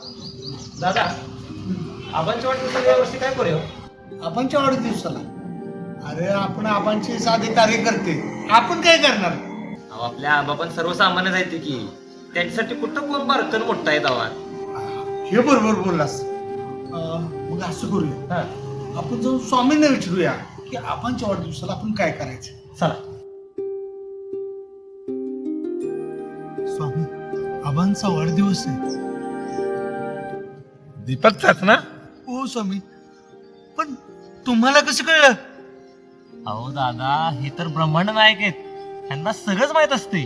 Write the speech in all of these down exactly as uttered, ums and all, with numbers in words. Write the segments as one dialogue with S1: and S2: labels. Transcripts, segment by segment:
S1: दादा आबांच्या वाढदिवसाला यावर्षी काय करूया?
S2: आपणच्या वाढदिवसाला अरे आपण आपणचे साधे कार्यकर्ते आपण काय करणार?
S1: अहो आपल्या आबा पण सर्वसामान्य जायचे की त्यांच्यासाठी कुठं कोण बारकन मोठा आहे दावा.
S2: हे बरोबर बोललास. अं, मग असं करूया
S1: हा
S2: आपण जाऊन स्वामींना विचारूया की आपणच्या वाढदिवसाला आपण काय करायचं.
S1: चला.
S2: स्वामी आबांचा वाढदिवस आहे.
S3: दीपकचाच ना?
S2: हो स्वामी, पण तुम्हाला कसं कळलं?
S1: अहो दादा हे तर ब्रह्मांड नायक आहेत, त्यांना सगळंच माहित असते.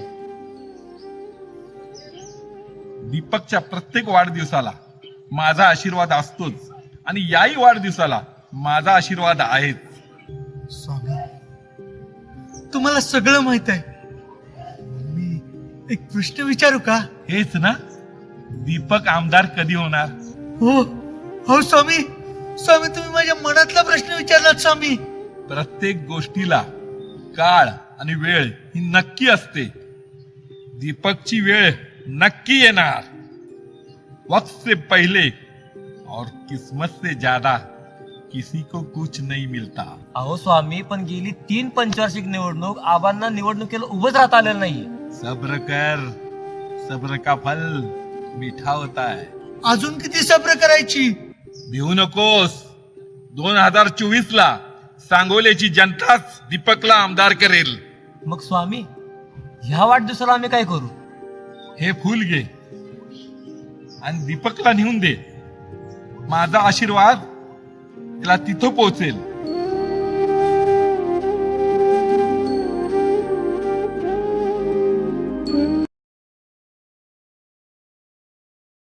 S3: दीपकच्या प्रत्येक वाढदिवसाला माझा आशीर्वाद असतोच आणि याही वाढदिवसाला माझा आशीर्वाद आहेच.
S2: स्वामी तुम्हाला सगळं माहित आहे. मी एक प्रश्न विचारू का?
S3: हेच ना, दीपक आमदार कधी होणार?
S2: हो हो स्वामी, स्वामी तुम्ही माझ्या मनातला प्रश्न विचारलात स्वामी.
S3: प्रत्येक गोष्टीला काळ आणि वेळ ही नक्की असते. दीपकची वेळ नक्की येणार. वक्त से पहले और किस्मत से ज्यादा किसी को कुछ नहीं मिलता.
S1: अहो स्वामी पण गेली तीन पंचवार्षिक निवडणूक आबांना निवडणुकीला उभंच राहता आलेलं नाहीये.
S3: सब्र कर, सब्र का फल मीठा होता है.
S2: अजून किती सब्र करायची?
S3: भिवू नकोस. दोन हजार चोवीस ला सांगोल्याची जनताच दीपकला आमदार करेल.
S1: मग स्वामी ह्या वाढदिवसाला आम्ही काय करू?
S3: हे फूल घे आणि दीपकला नेऊन दे. माझा आशीर्वाद त्याला तिथं पोहोचेल.